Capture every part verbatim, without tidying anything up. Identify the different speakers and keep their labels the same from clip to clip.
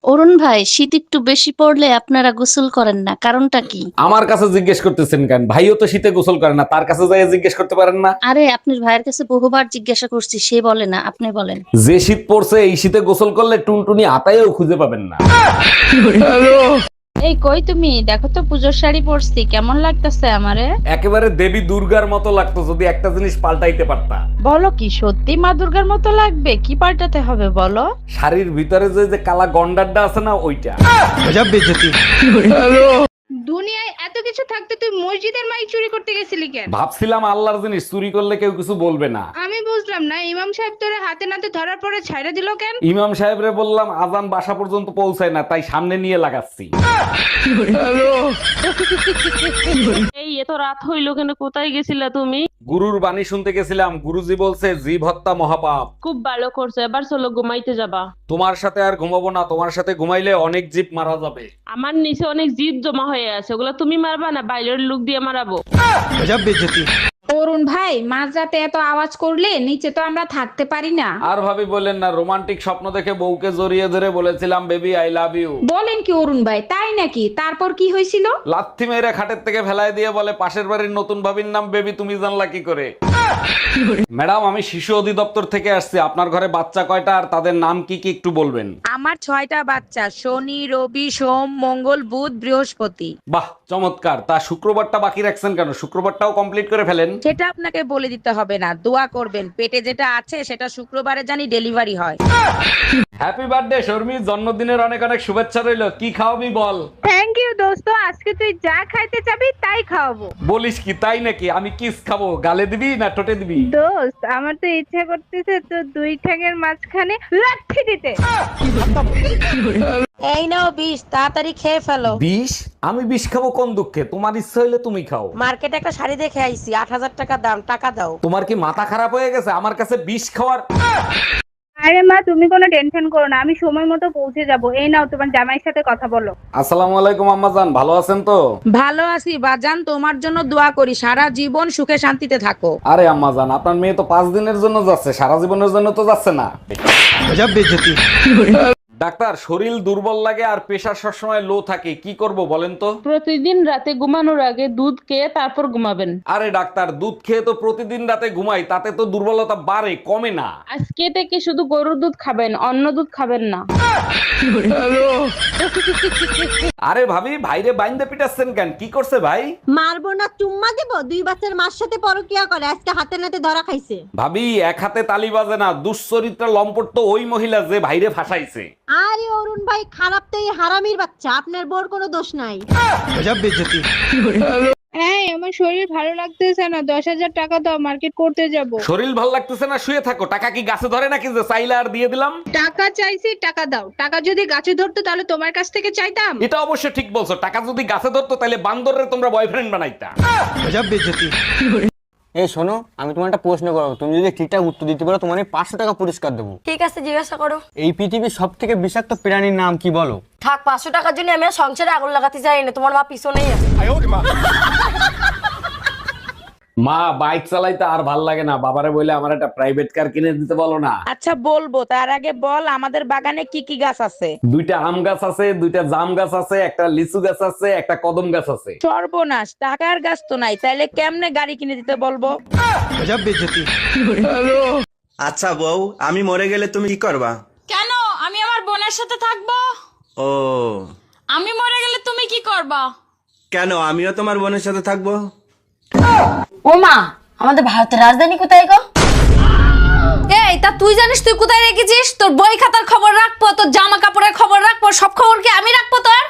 Speaker 1: অরুণ ভাই, শীত একটু বেশি পড়লে আপনারা গোসল করেন না, কারণটা কি?
Speaker 2: আমার কাছে জিজ্ঞেস করতেছেন কেন? ভাইও তো শীতে গোসল করে না, তার কাছে যাই জিজ্ঞেস করতে পারেন না?
Speaker 1: আরে আপনার ভাইয়ের কাছে বহুবার জিজ্ঞাসা করছি, সে বলে না, আপনি বলেন।
Speaker 2: যে শীত পড়ছে এই শীতে গোসল করলে টুনটুনি আতায়ও খুঁজে পাবেন না।
Speaker 3: এই কই তুমি দেখো তো পুজোর শাড়ি পরছি কেমন লাগতেছে আমারে।
Speaker 2: একেবারে দেবী দুর্গার মতো লাগতো যদি একটা জিনিস পাল্টাইতে পারতা।
Speaker 3: বলো কি সত্যি মা দুর্গার মতো লাগবে? কি পাল্টাতে হবে বলো?
Speaker 2: শাড়ির ভিতরে যে যে কালা গন্ডারটা আছে না, ওইটা।
Speaker 4: দুনিয়ায় এত কিছু থাকতে তুই মসজিদের মাইক চুরি করতে গেছিলি কেন?
Speaker 2: ভাবছিলাম আল্লাহর জিনিস চুরি করলে কেউ কিছু বলবে না।
Speaker 4: আমি বুঝলাম না, ইমাম সাহেব তোরে হাতে নাতে ধরার পরে ছাইড়া দিল কেন?
Speaker 2: ইমাম সাহেবরে বললাম আজান বাসা পর্যন্ত পৌঁছায় না, তাই সামনে নিয়ে লাগাচ্ছি।
Speaker 5: এই এত রাত হইলো কেন? কোথায় গেছিলা তুমি?
Speaker 2: গুরুর বাণী শুনতে গেছিলাম, গুরুজি বলছে জীব হত্যা মহাপাপ।
Speaker 5: খুব ভালো করছো, এবার চলো ঘুমাইতে যাবা।
Speaker 2: তোমার সাথে আর ঘুমাবো না, তোমার সাথে ঘুমাইলে অনেক জীব মারা যাবে।
Speaker 5: আমার নিচে অনেক জিদ জমা হয়ে আছে, ওগুলা তুমি মারবা না বাইরের লোক দিয়ে মারাবো।
Speaker 4: অরুণ ভাই, মাঝরাতে এত আওয়াজ করলে নিচে তো আমরা থাকতে পারি না।
Speaker 2: আর ভাবি বললেন না, রোমান্টিক স্বপ্ন দেখে বউকে জড়িয়ে ধরে বলেছিলাম বেবি আই লাভ ইউ।
Speaker 4: বলেন কি অরুণ ভাই, তাই নাকি? তারপর কি হয়েছিল?
Speaker 2: লাথি মেরে খাটের থেকে ফেলায় দিয়ে বলে পাশের বাড়ির নতুন ভাবির নাম বেবি, তুমি জানলা কি করে? ম্যাডাম, আমি শিশু অধিদপ্তর থেকে আসছি, আপনার ঘরে বাচ্চা কয়টা আর তাদের নাম কি কি একটু বলবেন?
Speaker 6: আমার ছয়টা বাচ্চা, শনি রবি সোম মঙ্গল বুধ বৃহস্পতি।
Speaker 2: বাহ, চমৎকার। তা শুক্রবারটা বাকি রাখছেন কেন? শুক্রবারটাও কমপ্লিট করে ফেলেন।
Speaker 6: সেটা আপনাকে বলে দিতে হবে না, দোয়া করবেন পেটে যেটা আছে সেটা শুক্রবারে জানি ডেলিভারি হয়।
Speaker 2: হ্যাপি বার্থডে শর্মি, জন্মদিনের অনেক অনেক শুভেচ্ছা রইলো। কি খাওয়াবি বল?
Speaker 4: থ্যাংক ইউ দোস্ত, আজকে তুই যা খাইতে চাবি তাই খাওয়াবো।
Speaker 2: বলিস কি, তাই নাকি? আমি কিস খাবো, গালে দিবি না ঠোঁটে দিবি?
Speaker 4: দোস্ত, আমার তো ইচ্ছা করতেছে তো দুই ঠ্যাঙের মাঝখানে লাথি দিতে।
Speaker 6: এই নাও বিষ, তাড়াতাড়ি খেয়ে ফেলো।
Speaker 2: বিষ? আমি বিষ খাবো কোন দুঃখে? তোমার ইচ্ছা হইলে তুমি খাও।
Speaker 6: মার্কেটে একটা শাড়ি দেখে আইছি, আট হাজার টাকা দাম, টাকা দাও।
Speaker 2: তোমার কি মাথা খারাপ হয়ে গেছে? আমার কাছে বিষ খাওয়ার।
Speaker 4: আরে মা, তুমি কোনো টেনশন করো না, আমি সময় মতো পৌঁছে যাব। এই নাও, তোমার জামাইয়ের সাথে কথা বলো।
Speaker 2: আসসালামু আলাইকুম আম্মা জান, ভালো আছেন তো?
Speaker 6: ভালো আছি বাজান, তোমার জন্য দোয়া করি সারা জীবন সুখে শান্তিতে থাকো।
Speaker 2: আরে আম্মা জান, আপনার মেয়ে তো পাঁচ দিনের জন্য যাচ্ছে, সারা জীবনের জন্য তো যাচ্ছে না। ডাক্তার, শরীর দুর্বল লাগে আর প্রেশার সবসময় লো থাকে, কি করব বলেন তো?
Speaker 5: প্রতিদিন রাতে ঘুমানোর আগে দুধ খেয়ে তারপর ঘুমাবেন।
Speaker 2: আরে ডাক্তার, দুধ খেয়ে তো প্রতিদিন রাতে ঘুমাই, তাতে তো দুর্বলতা বাড়ে, কমে না।
Speaker 5: আজকে থেকে শুধু গরুর দুধ খাবেন, অন্য দুধ খাবেন না।
Speaker 2: আরে ভাবি, ভাইরে বাইন্দে পিটাচ্ছেন কেন? কি করছে ভাই?
Speaker 7: মারবো না চুম্মা দেবো? দুই বাচ্চার মার সাথে পরকিয়া করে, আজকে হাতে নাতে ধরা খাইছে।
Speaker 2: ভাবি, এক হাতে তালি বাজে না, দুশ্চরিত্রা লম্পট তো ওই মহিলা যে ভাইরে ফাঁসাইছে।
Speaker 7: আরে অরুণ ভাই, খারাপ তো এই হারামির বাচ্চা, আপনার বোর কোনো দোষ নাই।
Speaker 4: এই, আমার শরীর ভালো লাগতেছে না, দশ হাজার টাকা দাও, মার্কেট করতে যাব।
Speaker 2: শরীর ভাল লাগতেছে না, শুয়ে থাকো। টাকা কি গাছে ধরে নাকি যে চাইলে আর দিয়ে দিলাম?
Speaker 4: টাকা চাইছি, টাকা দাও। টাকা যদি গাছে ধরতো তাহলে তোমার কাছ থেকে চাইতাম।
Speaker 2: এটা অবশ্য ঠিক বলছো, টাকা যদি গাছে ধরতো তাহলে বান্দরের তোমরা বয়ফ্রেন্ড বানাইতা।
Speaker 8: এই শোনো, আমি তোমার একটা প্রশ্ন করবো, তুমি যদি ঠিকঠাক উত্তর দিতে পারো তোমার আমি পাঁচশো টাকা পুরস্কার দেবো।
Speaker 6: ঠিক আছে, জিজ্ঞাসা করো।
Speaker 8: এই পৃথিবীর সব থেকে বিষাক্ত প্রাণীর নাম কি বলো?
Speaker 6: থাক, পাঁচশো টাকার জন্য আমি আর সংসারে আগুন লাগাতে চাই না, তোমার মা পিছনেই আছে।
Speaker 2: মা, বাইক চালাইতে আর ভাল লাগে না, বাবারে বলে আমার একটা প্রাইভেট কার কিনে দিতে বলো না।
Speaker 6: আচ্ছা বলবো, তার আগে বল আমাদের বাগানে কি কি গাছ আছে।
Speaker 2: দুইটা আম গাছ আছে, দুইটা জাম গাছ আছে, একটা লিচু গাছ আছে, একটা কদম গাছ আছে।
Speaker 6: সর্বনাশ, টাকার গাছ তো নাই, তাইলে কেমনে গাড়ি কিনে দিতে বলবো?
Speaker 9: আচ্ছা বউ, আমি মরে গেলে তুমি কি করবা?
Speaker 3: কেন? আমি আমার বোনের সাথে থাকবো।
Speaker 9: ও,
Speaker 3: আমি মরে গেলে তুমি কি করবা?
Speaker 9: কেন? আমিও তোমার বোনের সাথে থাকবো।
Speaker 6: ও মা, আমাদের ভারতের রাজধানী কোথায় গো?
Speaker 3: এই, তা তুই জানিস তুই কোথায় রেখেছিস? তোর বই খাতার খবর রাখবো, তোর জামা কাপড়ের খবর রাখবো, সব খবর কি আমি রাখবো তোর?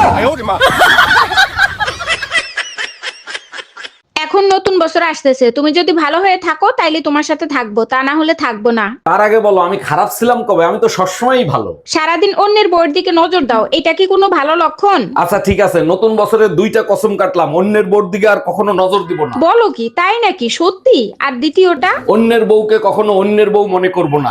Speaker 4: এখন নতুন বছর আসতেছে, তুমি যদি ভালো হয়ে থাকো তাইলে তোমার সাথে থাকবো, তা না হলে থাকবো না।
Speaker 2: তার আগে বলো, আমি খারাপ ছিলাম কবে? আমি তো সবসময়ই ভালো।
Speaker 4: সারাদিন অন্যের বউয়ের দিকে নজর দাও, এটা কি কোনো ভালো লক্ষণ?
Speaker 2: আচ্ছা ঠিক আছে, নতুন বছরে দুইটা কসম কাটলাম, অন্যের বোর দিকে আর কখনো নজর দিব না।
Speaker 4: বলো কি, তাই নাকি? সত্যি? আর দ্বিতীয়টা?
Speaker 2: অন্যের বউকে কখনো অন্যের বউ মনে করব না।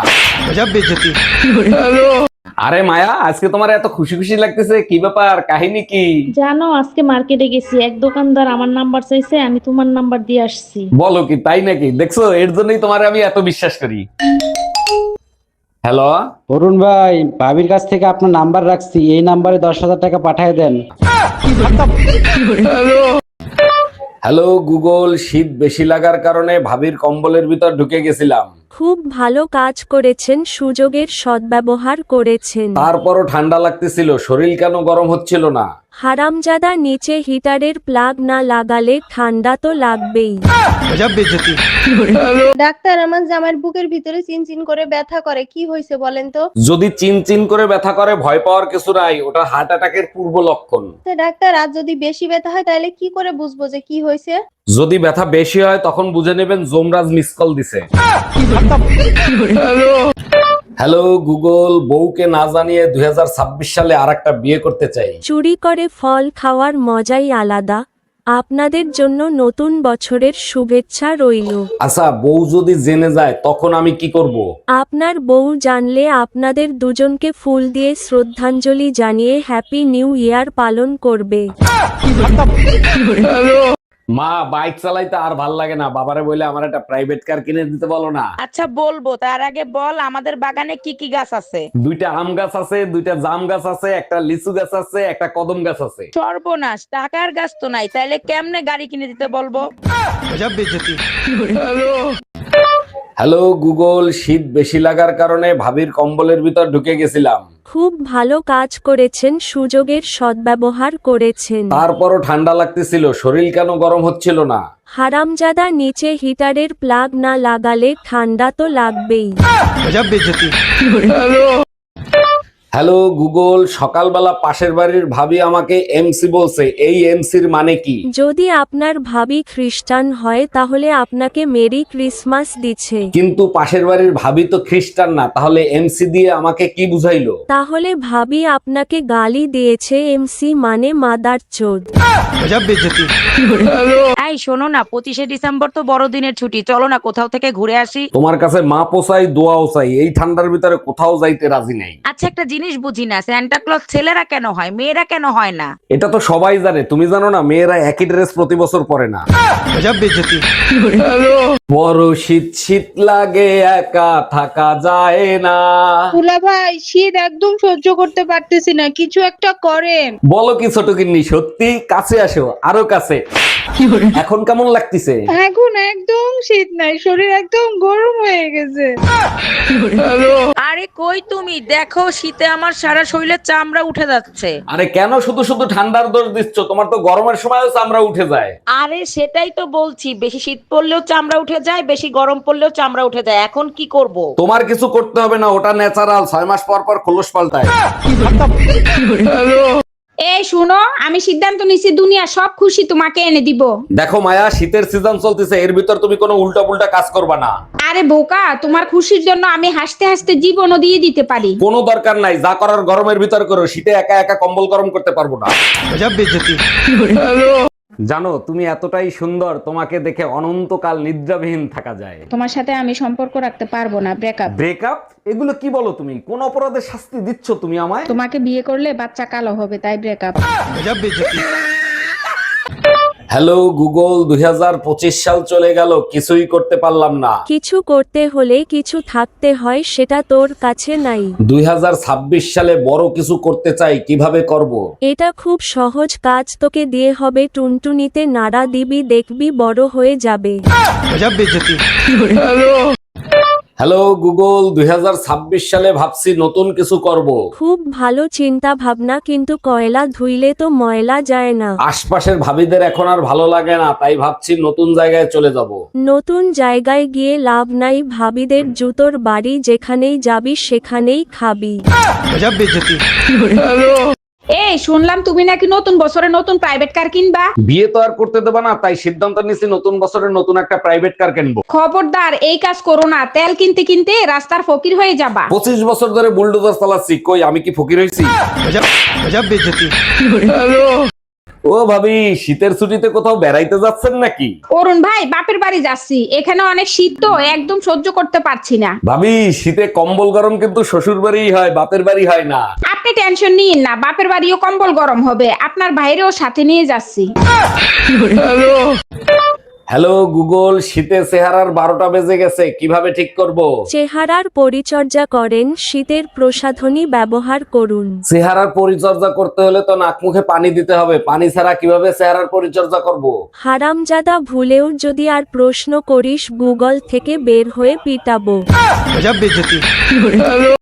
Speaker 2: আরে মায়া, আজকে তোমার এত খুশি খুশি লাগতেছে, কি ব্যাপার? কাহিনী কি?
Speaker 1: জানো, আজকে মার্কেটে গেছি, এক দোকানদার আমার নাম্বার চাইছে, আমি তোমার নাম্বার দিয়ে আসছি।
Speaker 2: বলো কি, তাই নাকি? দেখছো, এর জন্যই তোমার আমি এত বিশ্বাস করি। হ্যালো,
Speaker 10: অরুণ ভাই, ভাবির কাছ থেকে আপনার নাম্বার রাখছি, এই নাম্বারে দশ হাজার টাকা পাঠিয়ে দেন।
Speaker 2: হ্যালো গুগল, শীত বেশি লাগার কারণে ভাবির কম্বলের ভিতর ঢুকে গেছিলাম।
Speaker 11: খুব ভালো কাজ করেছেন, সুযোগের সদ্ব্যবহার করেছেন।
Speaker 2: তারপরও ঠান্ডা লাগতেছিল, শরীর কেন গরম হচ্ছিল না?
Speaker 11: হারামজাদা, নিচে হিটারের প্লাগ না লাগালে ঠান্ডা তো লাগবেই।
Speaker 7: ডাক্তার, আমার জামাইয়ের বুকের ভিতরে চিনচিন করে ব্যথা করে, কি হয়েছে বলেন তো?
Speaker 2: যদি চিন চিন করে ব্যথা করে ভয় পাওয়ার কিছু নাই, ওটা হার্ট অ্যাটাকের পূর্ব লক্ষণ।
Speaker 7: তো ডাক্তার, আর যদি বেশি ব্যথা হয় তাহলে কি করে বুঝবো যে কি হয়েছে?
Speaker 2: যদি ব্যথা বেশি হয় তখন বুঝে নেবেন যমরাজ মিস কল দিছে। হ্যালো গুগল, বউকে না জানিয়ে দুই হাজার ছাব্বিশ সালে আর একটা বিয়ে করতে চাই।
Speaker 11: চুরি করে ফল খাওয়ার মজাই আলাদা। আপনাদের জন্য নতুন বছরের শুভেচ্ছা রইল।
Speaker 2: আচ্ছা, বউ যদি জেনে যায় তখন আমি কি করব?
Speaker 11: আপনার বউ জানলে আপনাদের দুজনকে ফুল দিয়ে শ্রদ্ধাঞ্জলি জানিয়ে হ্যাপি নিউ ইয়ার পালন করবে।
Speaker 2: মা, বাইক চালাইতে আর ভাল লাগে না, বাবারে বলে আমার একটা প্রাইভেট কার কিনে দিতে বলো না।
Speaker 6: আচ্ছা বলবো, তার আগে বল আমাদের বাগানে কি কি গাছ আছে?
Speaker 2: দুইটা আম গাছ আছে, দুইটা জাম গাছ আছে, একটা লিচু গাছ আছে, একটা কদম গাছ আছে।
Speaker 6: সর্বনাশ, টাকার গাছ তো নাই, তাইলে কেমনে গাড়ি কিনে দিতে বলবো?
Speaker 2: হ্যালো গুগল, শীত বেশি লাগার কারণে ভাবির কম্বলের ভিতর ঢুকে গেছিলাম।
Speaker 11: খুব ভালো কাজ করেছেন, সুযোগের সদ্ব্যবহার করেছেন।
Speaker 2: তারপরও ঠান্ডা লাগতেছিল, শরীর কেন গরম হচ্ছিল না?
Speaker 11: হারামজাদা, নিচে হিটারের প্লাগ না লাগালে ঠান্ডা তো লাগবেই।
Speaker 2: হ্যালো গুগল, সকালবেলা পাশের বাড়ির ভাবি আমাকে এমসি বলছে, এই এমসির মানে কি?
Speaker 11: যদি আপনার ভাবি খ্রিস্টান হয় তাহলে আপনাকে মেরি ক্রিসমাস দিচ্ছে।
Speaker 2: কিন্তু পাশের বাড়ির ভাবি তো খ্রিস্টান না, তাহলে এমসি দিয়ে আমাকে কি বুঝাইলো?
Speaker 11: তাহলে ভাবি আপনাকে গালি দিয়েছে, এমসি মানে মাদার চোদ।
Speaker 6: এই শোনো না, পঁচিশে ডিসেম্বর তো বড়দিনের ছুটি, চলো না কোথাও থেকে ঘুরে আসি।
Speaker 2: তোমার কাছে মা পোসাই দোয়াও চাই, এই ঠান্ডার ভিতরে কোথাও যাইতে রাজি নাই।
Speaker 6: আচ্ছা, একটা জিনিস বুঝি না, সান্টা ক্লজ ছেলেরা কেন হয়, মেয়েরা কেন হয় না?
Speaker 2: এটা তো সবাই জানে, তুমি জানো না? মেয়েরা একই ড্রেস প্রতি বছর পরে না। বড় শীত শীত লাগে, একা থাকা যায় না।
Speaker 4: তুলা ভাই, শীত একদম সহ্য করতে পারতেছি না, কিছু একটা করেন।
Speaker 2: বলো কি ছোট কিন্নি, সত্যি? কাছে আসো, আরো কাছে। এখন কেমন লাগতেছে?
Speaker 4: এখন একদম শীত নাই, শরীর একদম গরম হয়ে গেছে।
Speaker 6: আরে কই তুমি, দেখো শীতে আমার সারা শরীরের চামড়া উঠে যাচ্ছে।
Speaker 2: আরে কেন শুধু শুধু ঠান্ডার দোষ দিচ্ছ? তোমার তো গরমের সময়ও চামড়া উঠে যায়।
Speaker 6: আরে সেটাই তো বলছি, বেশি শীত পড়লেও চামড়া উঠে যায়, বেশি গরম পড়লেও চামড়া উঠে যায়, এখন কি করব?
Speaker 2: তোমার কিছু করতে হবে না, ওটা ন্যাচারাল, ছয় মাস পর পর খোলস পাল্টায়।
Speaker 4: এই শুনো, আমি সিদ্ধান্ত নিছি, দুনিয়া সব খুশি তোমাকে এনে দিব।
Speaker 2: দেখো মায়া, শীতের সিজন চলতেছে, এর ভিতর তুমি কোনো উল্টা পুল্টা কাজ করবা না।
Speaker 4: আরে বোকা, তোমার খুশির জন্য আমি হাসতে হাসতে জীবনও দিয়ে দিতে পারি।
Speaker 2: কোনো দরকার নাই, যা করার গরমের ভিতর করো, শীতে একা একা কম্বল গরম করতে পারবো না। জানো, তুমি এতটাই সুন্দর, তোমাকে দেখে অনন্তকাল নিদ্রাবিহীন থাকা যায়।
Speaker 4: তোমার সাথে আমি সম্পর্ক রাখতে পারবো না, ব্রেকআপ।
Speaker 2: ব্রেকআপ? এগুলো কি বলো তুমি? কোন অপরাধের শাস্তি দিচ্ছ তুমি আমায়?
Speaker 4: তোমাকে বিয়ে করলে বাচ্চা কালো হবে, তাই ব্রেকআপ।
Speaker 2: হ্যালো গুগল, দুই হাজার পঁচিশ সাল চলে গেল, কিছুই করতে পারলাম না।
Speaker 11: কিছু করতে হলে কিছু থাকতে হয়, সেটা তোর কাছে নাই।
Speaker 2: দুই হাজার ছাব্বিশ সালে বড় কিছু করতে চাই, কিভাবে করব?
Speaker 11: এটা খুব সহজ কাজ, তোকে দিয়ে হবে টুনটুনিতে নাড়া দিবি, দেখবি বড় হয়ে যাবে।
Speaker 2: হ্যালো গুগল, দুই হাজার ছাব্বিশ সালে ভাবছি নতুন কিছু করব।
Speaker 11: খুব ভালো চিন্তা ভাবনা, কিন্তু কয়লা ধুইলে তো ময়লা যায় না।
Speaker 2: আশপাশের ভাবিদের এখন আর ভালো লাগে না, তাই ভাবছি নতুন জায়গায় চলে যাব।
Speaker 11: নতুন জায়গায় গিয়ে লাভ নাই, ভাবিদের জুতোর বাড়ি, যেখানেই যাবি সেখানেই খাবি।
Speaker 4: এই শুনলাম তুমি নাকি নতুন বছরে নতুন প্রাইভেট কার কিনবা।
Speaker 2: বিয়ে তো আর করতে দেবা না, তাই সিদ্ধান্ত নিয়েছি নতুন বছরে নতুন একটা প্রাইভেট কার কিনবো।
Speaker 4: খবরদার এই কাজ করো না, তেল কিনতে কিনতে রাস্তার ফকির হয়ে যাবা।
Speaker 2: পঁচিশ বছর ধরে বুলডোজার চালাচ্ছি, কই আমি কি ফকির হয়েছি? ও ভাবি, শীতের ছুটিতে কোথাও বেড়াইতে যাচ্ছেন নাকি?
Speaker 4: অরুণ ভাই, বাপের বাড়ি যাচ্ছি, এখানে অনেক শীত তো, একদম সহ্য করতে পারছি না।
Speaker 2: ভাবি, শীতে কম্বল গরম কিন্তু শ্বশুর বাড়ি হয়, বাপের বাড়ি হয় না।
Speaker 4: আপনি টেনশন নিন না, বাপের বাড়িও কম্বল গরম হবে, আপনার ভাইরেও সাথে নিয়ে যাচ্ছি।
Speaker 2: হ্যালো গুগল, শীতের চেহারার বারোটা বেজে গেছে, কিভাবে ঠিক করব?
Speaker 11: চেহারার পরিচর্যা করেন, শীতের প্রসাধনী ব্যবহার করুন।
Speaker 2: চেহারার পরিচর্যা করতে হলে তো নাক মুখে পানি দিতে হবে, পানি ছাড়া কিভাবে চেহারার পরিচর্যা করব?
Speaker 11: হারামজাদা, ভুলেও যদি আর প্রশ্ন করিস গুগল থেকে বের হয়ে পিটাবো।